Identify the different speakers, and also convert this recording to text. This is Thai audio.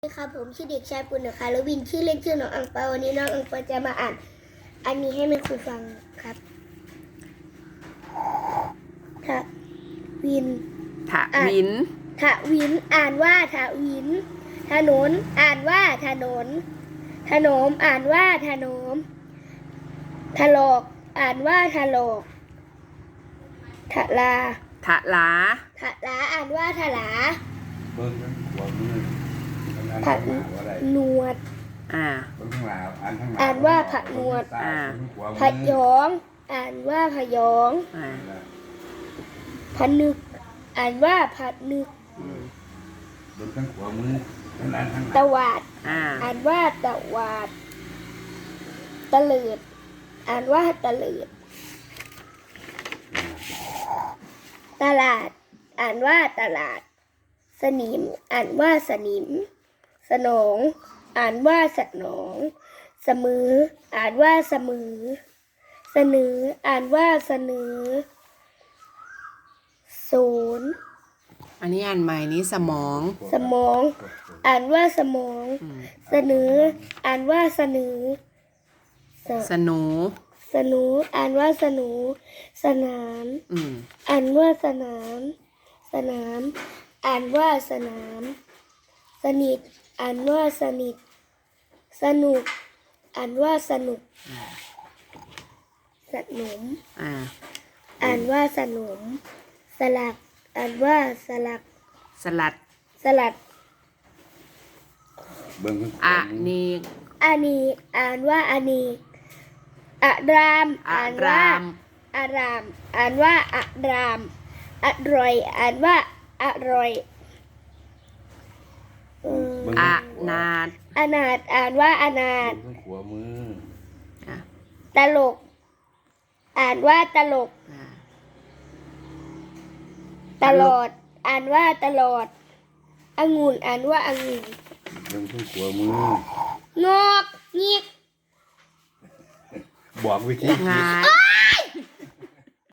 Speaker 1: สวัสดีครับผมชื่อเด็กชายปุณณคารวินชื่อเล่นชื่อน้องอังเปาวันนี้น้องอังเปาจะมาอ่านอันนี้ให้แม่ครูฟังครับทะวิน
Speaker 2: ทะวิน
Speaker 1: ทะวินอ่านว่าทะวินถนนอ่านว่าถนนถนมอ่านว่าถนมถลอกอ่านว่าถลอกทะลา
Speaker 2: ทะลา
Speaker 1: ทะลาอ่านว่าทะลา
Speaker 3: เบิ้งหัวมือ
Speaker 1: ผะนวด
Speaker 3: เบิ้งข้างหลัง
Speaker 1: อ่านว่าผะนวดผะยองอ่านว่าผะยองผะนึกอ่านว่าผะนึก
Speaker 3: เบิ้งข้างขวามือ
Speaker 1: ตะวาดอ่านว่าตะวาดตะเลิดอ่านว่าตะเลิดตลาดอ่านว่าตลาดสนิมอ่านว่าสนิมสนองอ่านว่าสนองเสมออ่านว่าเสมอเสนออ่านว่าเสนอศูนย์
Speaker 2: อันนี้อ่านใหม่นี้สมอง
Speaker 1: สมองอ่านว่าสมองเสนออ่านว่าเสนอ
Speaker 2: สนู
Speaker 1: สนูอ่านว่าสนูสนามอ่านว่าสนามสนามอ่านว่าสนามสนิทอ่านว่าสนิทสนุกอ่านว่าสนุกสนมอ่านว่าสนมสลักอ่านว่าสลัก
Speaker 2: สลัด
Speaker 1: สลัด
Speaker 2: อะนี
Speaker 1: อานีอ่านว่าอานีอารามอ่านว่าอารามอ่านว่าอารามอร่อยอ่านว่าอร่อย
Speaker 2: อนาถ
Speaker 1: อนาถอ่านว่าอนาถ
Speaker 3: ขวามือ
Speaker 1: ตลกอ่านว่าตลกตลอดอ่านว่าตลอดองุ่นอ่านว่าองุ่น
Speaker 3: เบิ้งขวามือง
Speaker 1: อกงิก
Speaker 3: บอกวิธี
Speaker 2: งา